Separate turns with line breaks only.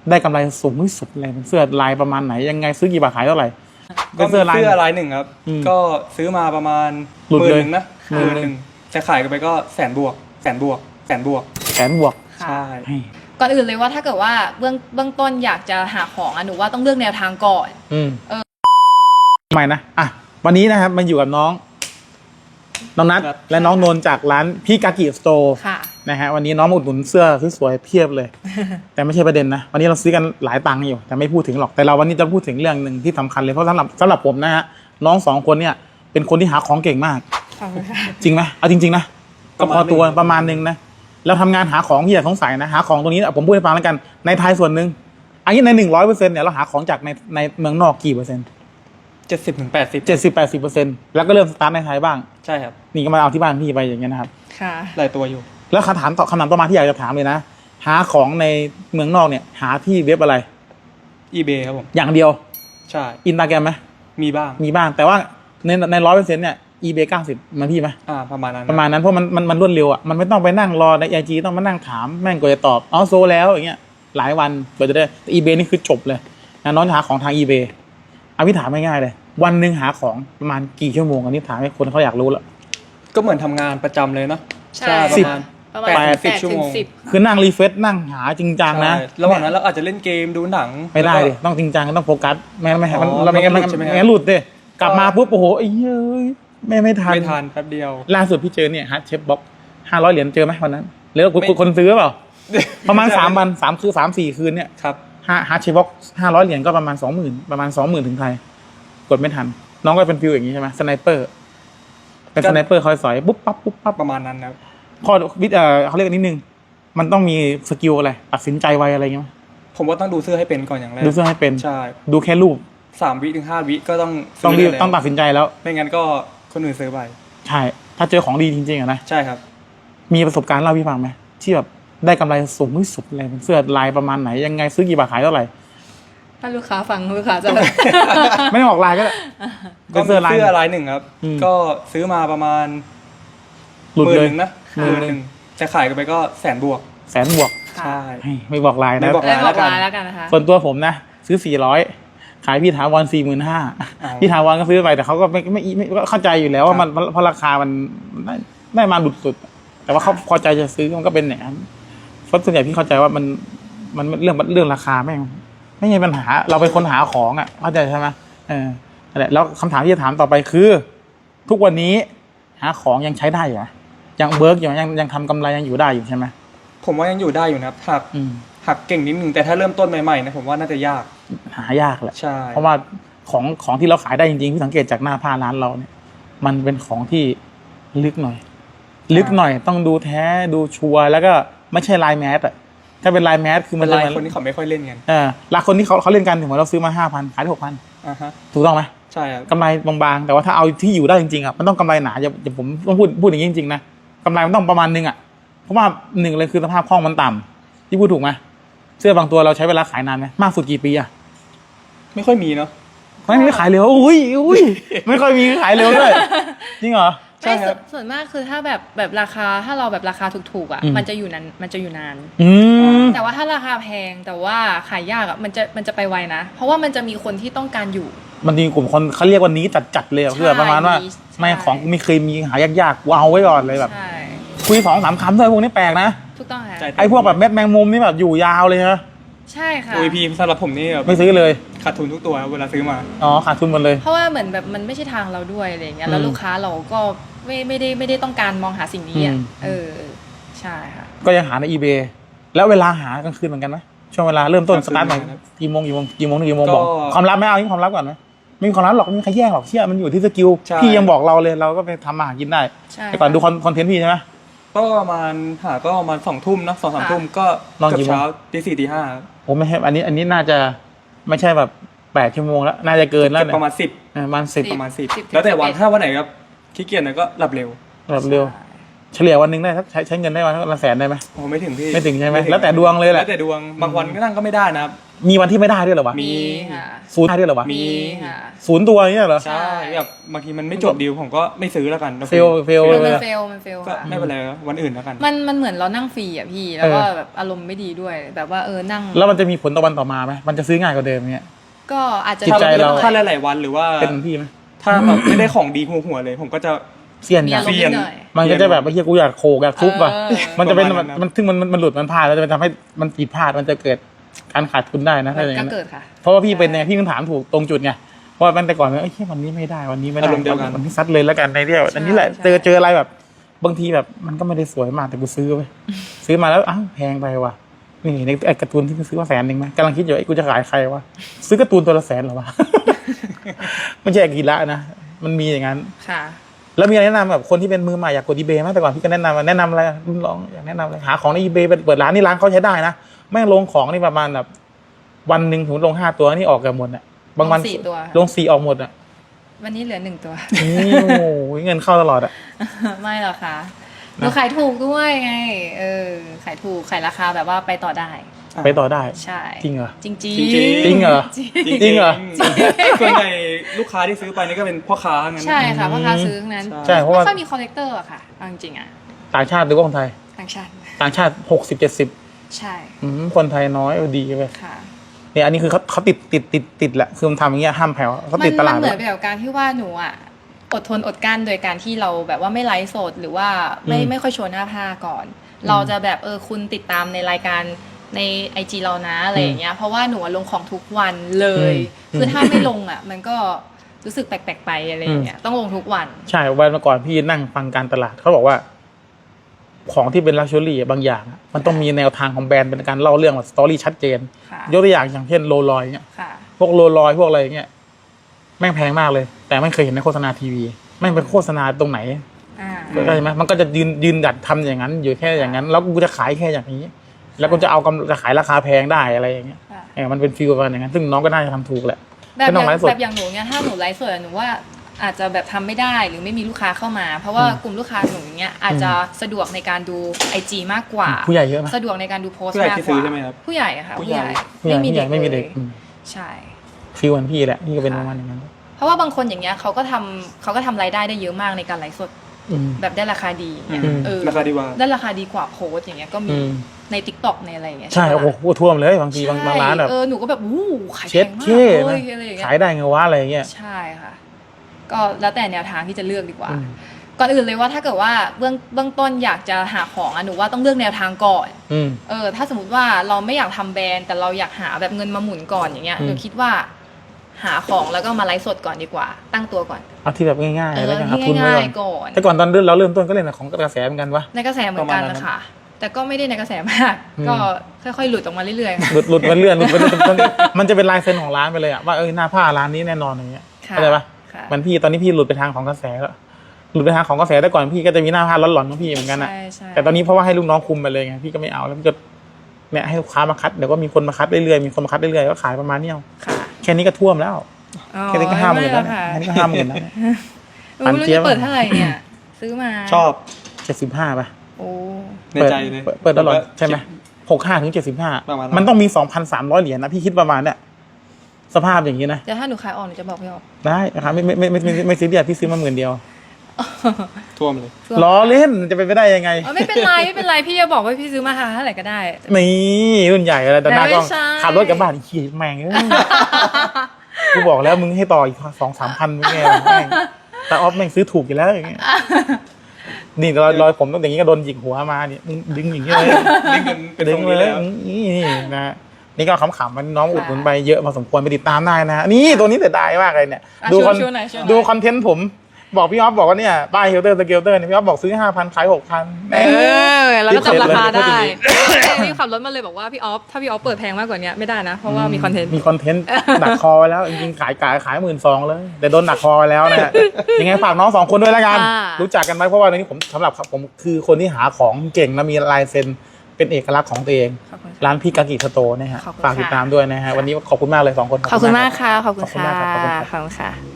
ได้กำไรสูงที่สุดเลยเป็นเสื้อลายประมาณไหนยังไงซื้อกี่บาทขายเท่าไหร่
ก็เสื้อลายหนึ่งครับก็ซื้อมาประมาณ10,000นะ10,000จะขายกันไปก็แสนบวกใช่
ก่อนอื่นเลยว่าถ้าเกิดว่าเบื้องต้นอยากจะหาของหนูว่าต้องเลือกแนวทางก่อน
ทำไมนะวันนี้นะครับมันอยู่กับน้องนัทและน้องนนจากร้านพี่กากิสโตร์นะฮะวันนี้น้องมาอุดหนุนเสื้อสวยๆเพียบเลยแต่ไม่ใช่ประเด็นนะวันนี้เราซื้อกันหลายตังค์อยู่แต่ไม่พูดถึงหรอกแต่เราวันนี้จะพูดถึงเรื่องหนึ่งที่สำคัญเลยเพราะสำหรับผมนะฮะน้อง2คนเนี่ยเป็นคนที่หาของเก่งมากจริงไหมเอาจริงๆนะก็พอตัวประมาณนึงนะเราทำงานหาของที่อยากสงสัยนะหาของตรงนี้ผมพูดให้ฟังแล้วกันในไทยส่วนหนึ่งอันนี้ใน100%เนี่ยเราหาของจากในเมืองนอกกี่เปอร์เซ็นต์70-80%แล้วก็เริ่มสตาร์ทในไทยบ้าง
ใช่ครับ
นี่ก็มาเอาที่บ้านพี่ไปอย่างเงี้ยนะครับ
ค่ะ
หลายตัวอยู่
แล้วคำถามต่อมาที่อยากจะถามเลยนะหาของในเมืองนอกเนี่ยหาที่เว็บอะไร
eBay ครับผม
อย่างเดียว
ใช่
Instagram ไหม
มีบ้าง
แต่ว่าใน100%เนี่ย eBay 90มันพี่ไหม
ประมาณนั้น
เพราะมันรวดเร็วอ่ะมันไม่ต้องไปนั่งรอใน IG ต้องมานั่งถามแม่งกว่าจะตอบโซแล้วอย่างเงี้ยหลายวันกว่าจะได้แต่ eBay นี่คือจบเลยน้องหาของทาง eBay พี่ถามง่ายๆเลยวันหนึ่งหาของประมาณกี่ชั่วโมงอันนี้ถามให้คนเขาอยากรู้แล้ว
ก็เหมือนทำงานประจำเลยเนาะ
ใช่
ประมาณ80 ชั่วโมง
คือนั่งรีเฟรชนั่งหาจริงจังนะ
ระหว่างนั้นเราอาจจะเล่นเกมดูหนัง
ไม่ได้ดิต้องจริงจังต้องโฟกัสไม่งั้นหลุดดิกลับมาปุ๊บโอ้โหไอ้เย้ยไม่ทัน
แป๊บเดียว
ล่าสุดพี่เจอเนี่ยฮาร์ดเชฟบ็อก500 เหรียญเจอไหมวันนั้นหรือคนซื้อเปล่าประมาณ3 วัน3-4 คืนเนี่ย
ครับ
ฮาร์ดเชฟบ็อก500 เหรียญก็ประมาณ 20,000ถึงไทยกดไม่ทันน้องก็เป็นฟิลอย่างนี้ใช่ไหมสไนเปอร์เป็นสไนเปอร์คอยสอยปุ๊บปั๊บ
ประมาณนั้นนะ
ข้อเขาเรียกนิดนึงมันต้องมีสกิลอะไรตัดสินใจไวอะไรเงี้ย
ผมว่าต้องดูเสื้อให้เป็นก่อนอย่างแรก
ดูเสื้อให้เป็น
ใช่
ดูแค่รูป
3 วิถึง 5 วิก็ต้อง
ตัดสินใจแล้ว
ไม่งั้นก็คนอื่นซื้อไป
ใช่ถ้าเจอของดีจริงๆนะ
ใช่ครับ
มีประสบการณ์เล่าพี่ฟังไหมที่แบบได้กำไรสูงที่สุดเลยเป็นเสื้อลายประมาณไหนยังไงซื้อกี่บาทขายเท่าไหร่
ถ้าลูกค้าฟังลูกค้าจะ
ไม่ต้องออกลายก็
เสื้อลายหนึ่งครับก็ซื้อมาประมาณ10,000นะ10,000จะขายกันไปก็แสนบวก
ใช่ไม่บอกลายนะ
ไม่บอกลายแล้วกันนะคะ
ส่วนตัวผมนะซื้อ400ขายพี่ถาวร45,000พี่ถาวรก็ซื้อไปแต่เขาก็ไม่เข้าใจอยู่แล้วว่ามันเพราะราคามันได้มาดุดสุดแต่ว่าเขาพอใจจะซื้อมันก็เป็นอย่างนั้นเพราะส่วนใหญ่พี่เข้าใจว่ามันเรื่องราคาไม่ใช่ปัญหาเราเป็นคนหาของเข้าใจใช่ไหมนั่นแหละแล้วคำถามที่จะถามต่อไปคือทุกวันนี้หาของยังใช้ได้อยู่ไหมยังเบิร์กอยู่ยังทำกำไรยังอยู่ได้อยู่ใช่ไหม
ผมว่ายังอยู่ได้อยู่นะครับหักเก่งนิดนึงแต่ถ้าเริ่มต้นใหม่ๆนะผมว่าน่าจะยาก
หายากแหละ
ใช่
เพราะว่าของที่เราขายได้จริงๆที่สังเกตจากหน้าผ้าร้านเราเนี่ยมันเป็นของที่ลึกหน่อยต้องดูแท้ดูชัวร์แล้วก็ไม่ใช่ลายแมสถ้าเป็นลายแมสคือมัน
ลายคนที่เขาไม่ค่อยเล่นกัน
ลายคนที่เขาเล่นกันถึงเราซื้อมา 5,000 ขายได้ 6,000ถูกต้องไหม
ใช่ครับ
กำไรบางๆแต่ว่าถ้าเอาที่อยู่ได้จริงๆมันต้องกำไรหนาอย่าผมต้องพูดอย่างนี้จริงๆนะกำไรมันต้องประมาณนึงเพราะว่า1เลยคือสภาพคล่องมันต่ำที่พูดถูกไหมเสื้อบางตัวเราใช้เวลาขายนานไหมมากสุดกี่ปี
ไม่ค่อยมีเนาะ
ไม่ขายเร็วอุ้ยไม่ค่อยมีขายเร็วด้วยจริงเหรอ
ใช่ครับส่วนมากคือถ้าแบบราคาถ้าเราแบบราคาถูกๆมันจะอยู่นานแต่ว่าถ้าราคาแพงแต่ว่าขายยากมันจะไปไวนะเพราะว่ามันจะมีคนที่ต้องการอยู่
มันมีกลุ่มคนเขาเรียกว่านี้จัดเลยคือประมาณว่าไม่ของไม่เคยมีหายากๆว้าวไว้ก่อนเลยแบบคุย2-3 คำด้วยพวกนี้แปลกนะ
ถูกต้องค่ะ
ไอ้พวกแบบเม็ดแมงมุมนี่แบบอยู่ยาวเลยฮะ
ใช่ค่ะ
พี่สำหรับผมนี่
ไม่ซื้อเลย
ขาดทุนทุกตัวเวลาซื้อมา
ขาดทุนหมดเลย
เพราะว่าเหมือนแบบมันไม่ใช่ทางเราด้วยอะไรอย่างเงี้ยแล้วลูกค้าเราก็ไม่ได้ต้องการมองหาสิ่งนี้ใช่ค่ะ
ก็ยังหาใน eBay แล้วเวลาหากลางคืนเหมือนกันไหมช่วงเวลาเริ่มต้นสตาร์ทใหม่กี่โมงบอกความลับไหมเอาความลับก่อนไหมไม่มีความลับหรอกไม่มีใครแย่งหรอกเชื่อมันอยู่ที่สกิลพี่ยังบอกเราเลยเราก็ไปทำอาหารกินได้แต่ก่อนดูคอนเทนต์พี่ใช่ไหม
ก็ประมาณ2 ทุ่มนะ2-3 ทุ่มก็เกือบเช้าตี 4 ตี 5
ผมไม่ใช่อันนี้น่าจะไม่ใช่แบบ8 ชั่วโมงแล้วน่าจะเกินแล้วเนี่ย
ประมาณ10
ประมาณ10
แล้วแต่วันถ้าวันไหนครับขี้เกียจก็หลับเร็ว
เฉลี่ยวันหนึ่งได้ใช้เงินได้วันละ100,000ได้ไหม
โอ้ไม่ถึงพี่
ไม่ถึงใช่ไหมแล้วแต่ดวงเลยแหละ
แล้วแต่ดวงบางวันก็นั่งก็ไม่ได้นะครับ
มีวันที่ไม่ได้ด้วยเหรอวะ
มี
ค่ะ
ศูนย์ได้ด้วยเหรอวะ
มีค่ะ
ศูนย์ตัวเนี่ยเหรอ
ใช่แบบบางทีมันไม่จบดีลผมก็ไม่ซื้อแล้วกัน
เฟล
มันเฟล
ก็
ค่ะ
ไม่เป็นไรวันอื่นแล้วกัน
มันเหมือนเรานั่งฟรีอ่ะพี่แล้วก็แบบอารมณ์ไม่ดีด้วยแบบว่านั่ง
แล้วมันจะมีผลต่อวันต่อมาไหมมันจะซื้อง่ายกว่าเดิมเงี้ย
ก็อาจจะ
จิตใจเรา
ถ้าหลายๆวันหรือว่า
เป็นพี่ไหม
ถ้าแบบไม่ได้ของดีหัวๆเลย ผมก็จะ
เสี้ยน
มี
กั
อาน รมณ์นิดหน่อย
มันก็จะแบบไอ้เหี้ยกูอยากโขกอยากทุบว่ะ มันจะเป็น
ประมาณนั้น
มันซึ่งมันหลุดมันพลาดแล้วจะไปทำให้มันผิดพลาดมันจะเกิดการขาดทุนได้นะถ้าอย่าง
ก็
นั้น
เกิดค่ะ
เพราะว่าพี่เป็นไงพี่มันถามถูกตรงจุดไงเพราะว่ามันแต่ก่อนเอ้ยวันนี้ไม่ได้วันนี้ไม่ได้
อารมณ์เดียวกัน
วันนี้ซัดเลยแล้วกันในเดียวอันนี้แหละ
ใช่
เจออะไรแบบบางทีแบบมันก็ไม่ได้สวยมากแต่กูซื้อไปซื้อมาแล้วอ้าวแพงไปว่ะนี่ในไอ้การ์ตูนที่กูซื้อว่า100,000ไหมกำลังคิดอยู่ไอ้กูจะขายใครวะซื้อการ์ตูนตัวละ100,000เหรอวะ ไม่ใช่กีฬานะมันมีอย่างนั้น
ค่ะ
แล้วมีอะไรแนะนำแบบคนที่เป็นมือใหม่อยากกด eBay ไหมแต่ก่อนพี่ก็แนะนำอะไรรุ่นน้องอยากแนะนำอะไรหาของใน eBay เปิดร้านนี่ร้านเขาใช้ได้นะแม่งลงของนี่ประมาณแบบวันหนึ่งถึงลง5 ตัวนี่ออกกันหมดอ่ะบางวัน
ลง4 ตัว
ลง4ออกหมดอ่ะ
วันนี้เหลือ1 ตัว
นี่โอ้โหเงินเข้าตลอดอ่ะ
ไม่หรอกค่ะหนูขายถูกด้วยไงขายถูกขายราคาแบบว่าไปต่อได้
ไปต่อได้
ใช่
จริงเหรอ
จริง
จริง
จริงเหรอ จริงเหรอ
ส่วนใหญ่ลูกค้าที่ซื้อไปนี่ก็เป็นพ่อค้างั้น
ใช่ค่ะพ่อค้าซื้อทั้งนั้น
ใช่เพราะว่า
ไม่ค่อยมีคอลเลกเตอร์อะค่ะเอาจริงๆอะ
ต่างชาติหรือว่าคนไทย
ต่างชาติ
ต่างชาติ60-70
ใช่
คนไทยน้อยดีไป
ค่ะ
เนี่ยอันนี้คือเขาติดแหละคือมันทำอย่างเงี้ยห้ามแผ่วเขาติดตลาด
มันเหมือน
ไว้
แบบการที่ว่าหนูอะอดทนอดกลั้นโดยการที่เราแบบว่าไม่ไลฟ์สดหรือว่าไม่ค่อยโชว์หน้าผ้าก่อน เราจะแบบคุณติดตามในรายการใน IG เรานะอะไรอย่างเงี้ยเพราะว่าหนูอะลงของทุกวันเลย คือถ้าไม่ลงอะมันก็รู้สึกแปลกๆไปอะไรอย่างเงี้ยต้องลงทุกวัน
ใช่วันก่อนพี่นั่งฟังการตลาดเขาบอกว่า ของที่เป็นลักชัวรี่บางอย่างอะมันต้องมีแนวทางของแบรนด์เป็นการเล่าเรื่องแบบสตอรี่ชัดเจน
ค่ะ
ยกตัวอย่างเช่นโรลลอยเนี่ย
ค่ะ
พวกโรลลอยพวกอะไรเงี้ยแม่งแพงมากเลย แต่ไม่เคยเห็นในโฆษณาทีวีแม่งเป็นโฆษณาตรงไหน เข้าใจไหมมันก็จะยืนดัดทำอย่างนั้น อยู่แค่อย่างนั้น แล้วกูจะขายแค่อย่างนี้ แล้วกูจะเอาจะขายราคาแพงได้อะไรอย่างเงี้ย
ค่ะ
มันเป็นฟีลประมาณอย่างนั้น ซึ่งน้องก็น่าจะทำถูกแหละ
แบบ
ไม่ต้องไลฟ์สด
แบบอย่างหนูเนี่ยถ้าหนูไลฟ์สดอะหนูว่าอาจจะแบบทำไม่ได้หรือไม่มีลูกค้าเข้ามา เพราะว่ากลุ่มลูกค้าหนูเนี้ยอาจจะสะดวกในการดู IG มากกว่า
ผู้ใหญ่เยอะไหม
สะดวกในการดูโพสต์
ผู้ใหญ่
มาก
ที่
ก
ซื้อ
ว่า
ใช่ไหมครับ
ผู้ใหญ่อะค่ะ
ผู้
ผู้
ให
ให
ญ่
ญ่
ผู้ใหญ่
ไม่มีเด็ก
ไม่มีเด็ก
เลยใช่
ฟีลเหมือนพี่แหละพี่ก็เป็นประมาณอย่างนั้น
เพราะว่าบางคนอย่างเงี้ยเขาก็ทำรายได้ได้เยอะมากในการไลฟ์สด
อืม
แบบได้ราคาดีอย่างเงี้ย
อืม
ราคาดีกว่า
ได้ราคาดีกว่าโพสต์อย่างเงี้ยก็มี
อืม
ใน TikTok ในอะไรอย่างเงี้ย
ใช่
ปะ
โอ้โหท่วมเลยบางทีบางร้านแบบ
หนูก็แบบขายแพ
เช็ด
งมาก
เท่
เล
นะ
ยอะไรอย่างเงี้ย
ขายได้ไงวะอะไรเงี้ย
ใช่ค่ะ ก็แล้วแต่แนวทางที่จะเลือกดีกว่า
อืม
ก่อนอื่นเลยว่าถ้าเกิดว่าเบื้องต้นอยากจะหาของหนูว่าต้องเลือกแนวทางก่อน
อืม
ถ้าสมมติว่าเราไม่อยากทำแบรนด์แต่เราอยากหาแบบเงินมาหมุนก่อนอย่างเงี้ย
อืม
หนูคิดว่า หาของแล้วก็มาไลฟ์สดก่อนดีกว่า ตั้งตัวก่อน
เอาที่แบบง่ายๆแล้วกันหา
ที่
ทุนไว้
ง่า
ก่
ย
อน
ๆก่อน
แต่ก่อนตอนเราเริ่มต้นก็เล่นของกระแสเหมือนกันวะ
ในกระแสเหมือนกัน
ประมาณนั้
นะ
น
คะแต่ก็ไม่ได้ในกระแสมาก
อืม
ก็ค่อยๆหลุดออกมาเรื่อยๆ
หลุดมาเรื่อยมันจะเป็นลายเซ็นของร้านไปเลยอะว่าหน้าผ้าร้านนี้แน่นอนอย่างเงี้ย
ค่ะ
เข้าใจปะ
ค่ะ
มันพี่ตอนนี้พี่หลุดไปทางของกระแสแล้วหลุดไปทางของกระแสแต่ก่อนพี่ก็จะมีหน้าผ้าร้อนๆของพี่เหมือนกันอะ
ใช่ใช่
แต่ตอนนี้เพราะว่าให้ลูกน้องคุมไปเลยไงพี่ก็ไม่เอาแล้วพี่ก็เนี่ยให้ลูกค้ามาคัดเดี๋ยวก็มีคนมาคัดเรื่อยๆมีคนมาคัดเรื่อยๆก็ขายประมาณนี้เอา
ค่ะ
แค่นี้ก็ท่วมแล้ว
อ๋อ
แค่นี้ก็50,000แล้ว
ไม่
แค่
ค่ะ
นี้ก็50,000แล้ว
ไม่รู้จะเปิดเท่าไหร่เนี่ย ซื้อมา
ชอบ
75ป่ะ
โอ้
ในใจเลย
เปิดตลอดใช่ไหม65 ถึง
ประมาณนั้
75
น
มันต้องมี 2,300 เหรียญนะพี่คิดประมาณเนี่ยสภาพอย่างนี้นะ
แต่ถ้าหนูขายออกหนูจะบอกพี่ออก
ได้นะครับไม่ซีเรียสพี่ซื้อมา10,000 เดียว
ท่วมเลย
ล้อเล่นจะเป็นไปได้ยังไง
ไม่เป็นไรไม่เป็นไรพี่จะบอกว่าพี่ซื้อมาเท่าไหร่ก็ได้
นี่รุ่นใหญ่อะไรแต่หน้ากล้อง
ไม่ใช่
ขับรถกลับบ้านขี่แม่งเอ้ยกูบอกแล้วมึงให้ต่ออีก 2-3 พันมึงไงแม่งแต่ออฟแม่งซื้อถูกอยู่แล้วอย่างเงี้ยนี่รอยผมตั้งแต่อย่างนี้ก็โดนหยิกหัวมาเนี่ยมึงดึงอย่างเงี้ยเลย
ดึงกันเป็น
ดึ
ทรง งนี้
เล
เลย ย
นี่นะนี่ก็ขำๆมันน้องอุดหนุนไปเยอะพอสมควรไปติดตามได้นะนี่ตัวนี้เสียดายมากเลยเนี่ย
อ่ะ
ดู
ช่วยหน่อยช่วยหน่อย
ดูคอนเทนต์ผมบอกพี่ออฟบอกว่าเนี่ยป้ายเฮลเตอร์สเกลเตอร์เนี่ยพี่ออฟบอกซื้อ 5,000 ขาย 6,000
แล้วก็จับราคาได้
รีบ
พี่ขับรถมาเลยบอกว่าพี่ออฟถ้าพี่ออฟเปิดแพงมากกว่านี้ไม่ได้นะ เพราะว่ามีคอนเทนต์
มีคอนเทนต์ดักคอไว้แล้ว จริงๆขาย12,000เลย แต่โดนดักคอไว้แล้วนะยังไงฝากน้อง2คนด้วยแล้วกัน
ค่ะ
รู้จักกันไหมเพราะว่าในนี้ผมสำหรับผมคือคนที่หาของเก่งและมีลายเซ็นเป็นเอกลักษณ์ของตัวเอง
ขอบคุณค่ะ
ร้านพี่กากิสโตร์นะฮะ
ขอบคุณ
ฝากติด
ค่ะ
ตามด้วยนะฮะวันนี้ขอบคุณมากเลย2คน
ขอบคุณมากค่ะ ขอบคุณ
ขอบคุณ
ค่ะ
มากครับขอบคุณครับ
ขอบคุณค่ะ